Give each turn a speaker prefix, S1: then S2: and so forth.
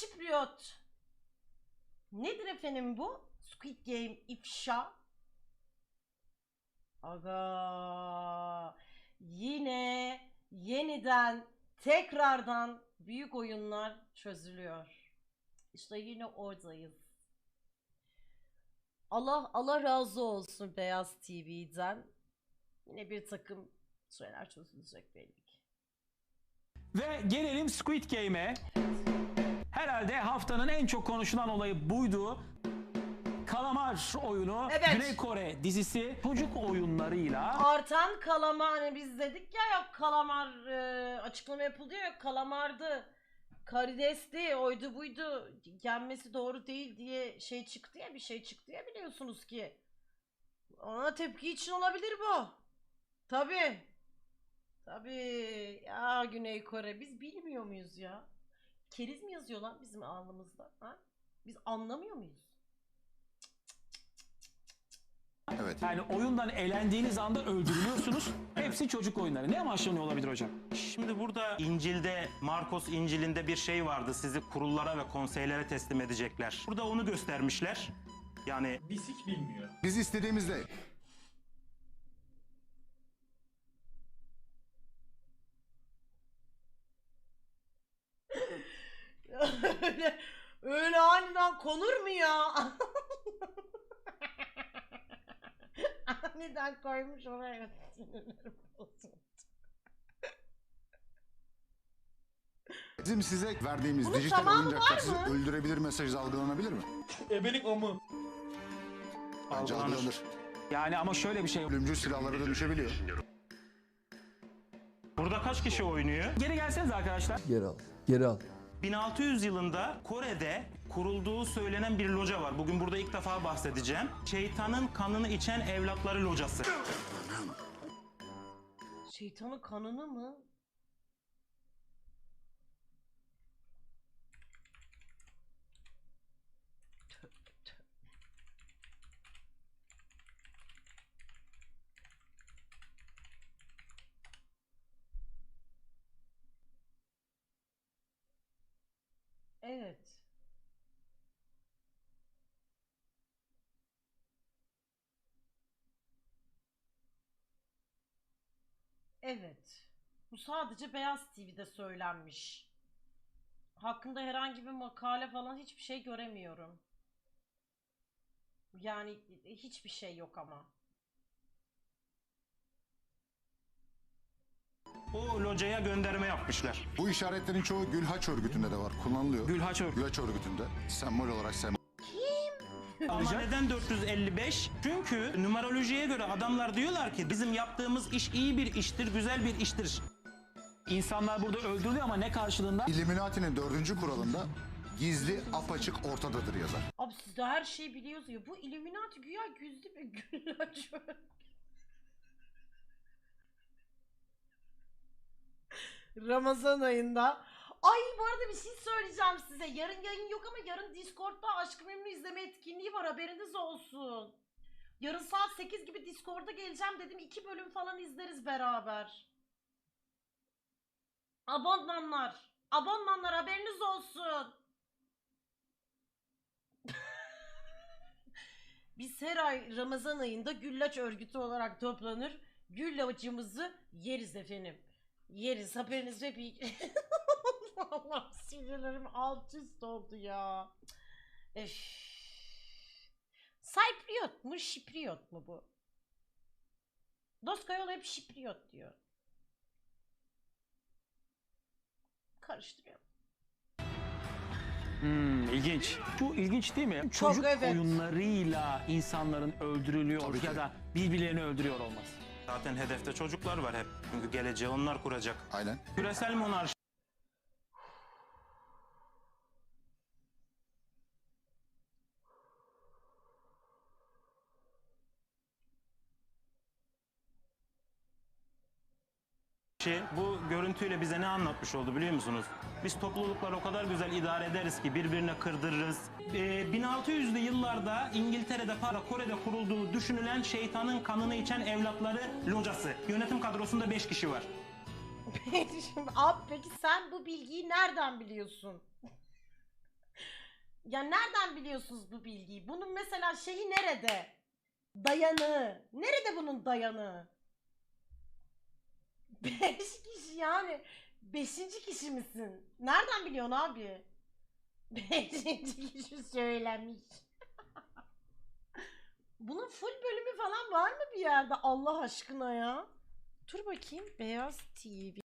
S1: Şipriot. Nedir efendim bu? Squid Game ifşa. Aga. Yine yeniden tekrardan büyük oyunlar çözülüyor. İşte yine oradayız. Allah razı olsun Beyaz TV'den. Yine bir takım şeyler çözülecek belli ki.
S2: Ve gelelim Squid Game'e. Herhalde haftanın en çok konuşulan olayı buydu. Kalamar oyunu,
S1: Evet.
S2: Güney Kore dizisi çocuk oyunlarıyla
S1: Artan kalamar, hani biz dedik ya, yok kalamar açıklama yapıldı ya, yok kalamardı, karidesti, oydu buydu, yenmesi doğru değil diye şey çıktı ya, bir şey çıktı ya, biliyorsunuz ki. Ona tepki için olabilir bu. Tabii. Tabii. Ya Güney Kore, biz bilmiyor muyuz ya? Keriz mi yazıyor lan bizim alnımızda? Ha? Biz anlamıyor muyuz?
S3: Evet.
S2: yani oyundan elendiğiniz anda öldürülüyorsunuz. Hepsi çocuk oyunları. Ne amaçlanıyor olabilir hocam?
S4: Şimdi burada İncil'de, Markos İncil'inde bir şey vardı. Sizi kurullara ve konseylere teslim edecekler. Burada onu göstermişler. Yani
S5: Biz hiç bilmiyor.
S3: Biz istediğimizde
S1: öyle aniden konur mu ya? Aniden koymuş oraya. Sinirlerim bozuldu.
S3: bizim size verdiğimiz
S1: Bunun
S3: dijital
S1: zamanı
S3: oyuncaklar
S1: var
S3: sizi
S1: mı?
S3: öldürebilir mesajı algılanabilir mi?
S5: Ebelik o mu?
S3: Bence
S4: Algılanır.
S3: algılanır.
S2: Yani ama şöyle bir şey.
S3: Ölümcül silahlara dönüşebiliyor.
S4: burada kaç kişi oynuyor?
S2: Geri gelseniz arkadaşlar.
S6: Geri al. Geri al.
S4: 1600 yılında Kore'de kurulduğu söylenen bir loca var. Bugün burada ilk defa bahsedeceğim. Şeytanın kanını içen evlatları locası.
S1: Şeytanın kanını mı? Tövbe tövbe. Evet. Evet. Bu sadece Beyaz TV'de söylenmiş. Hakkında herhangi bir makale falan hiçbir şey göremiyorum. Yani hiçbir şey yok ama.
S4: O locaya gönderme yapmışlar.
S3: Bu işaretlerin çoğu Gülhaç örgütünde de var. Kullanılıyor.
S2: Gülhaç örgütü.
S3: Gülhaç örgütünde. Sembol olarak sembol.
S4: Ama neden 455? Çünkü numerolojiye göre adamlar diyorlar ki bizim yaptığımız iş iyi bir iştir, güzel bir iştir.
S2: İnsanlar burada öldürülüyor ama ne karşılığında?
S3: Illuminati'nin 4. kuralında gizli apaçık ortadadır yazar.
S1: Abi siz de her şeyi biliyorsunuz ya. Bu Illuminati güya gizli bir güllaç. Ramazan ayında. Ay bu arada bir şey söyleyeceğim size. Yarın yayın yok ama yarın Discord'da Aşk-ı Memnu izleme etkinliği var, haberiniz olsun. Yarın saat 8 gibi Discord'a geleceğim dedim. 2 bölüm falan izleriz beraber. Abonmanlar. Abonmanlar haberiniz olsun. Biz her ay Ramazan ayında güllaç örgütü olarak toplanır. Güllacımızı yeriz efendim. Yeriz, haberiniz ve bir... Allah'ım sinirlerim alt üst oldu ya. Öf. Cypriot mu Şipriot mu bu? Doskayol hep Şipriot diyor. Karıştırıyorum.
S2: İlginç. Bu ilginç değil mi?
S1: Çok,
S2: Çocuk
S1: evet.
S2: oyunlarıyla insanların öldürülüyor
S3: Tabii ki.
S2: ya da birbirlerini öldürüyor olması.
S4: Zaten hedefte çocuklar var hep. Çünkü geleceği onlar kuracak.
S3: Aynen.
S4: Küresel monarşi bu görüntüyle bize ne anlatmış oldu biliyor musunuz? Biz toplulukları o kadar güzel idare ederiz ki birbirine kırdırırız. 1600'lü yıllarda İngiltere'de, Kore'de kurulduğu düşünülen şeytanın kanını içen evlatları locası. Yönetim kadrosunda 5 kişi var.
S1: Şimdi, abi peki sen bu bilgiyi nereden biliyorsun? Ya nereden biliyorsunuz bu bilgiyi? Bunun mesela şeyi nerede? Dayanığı. Nerede bunun dayanığı? 5 kişi yani. 5. kişi misin? Nereden biliyorsun abi? 5. kişi söylemiş. Bunun full bölümü falan var mı bir yerde Allah aşkına ya? Dur bakayım. Beyaz TV.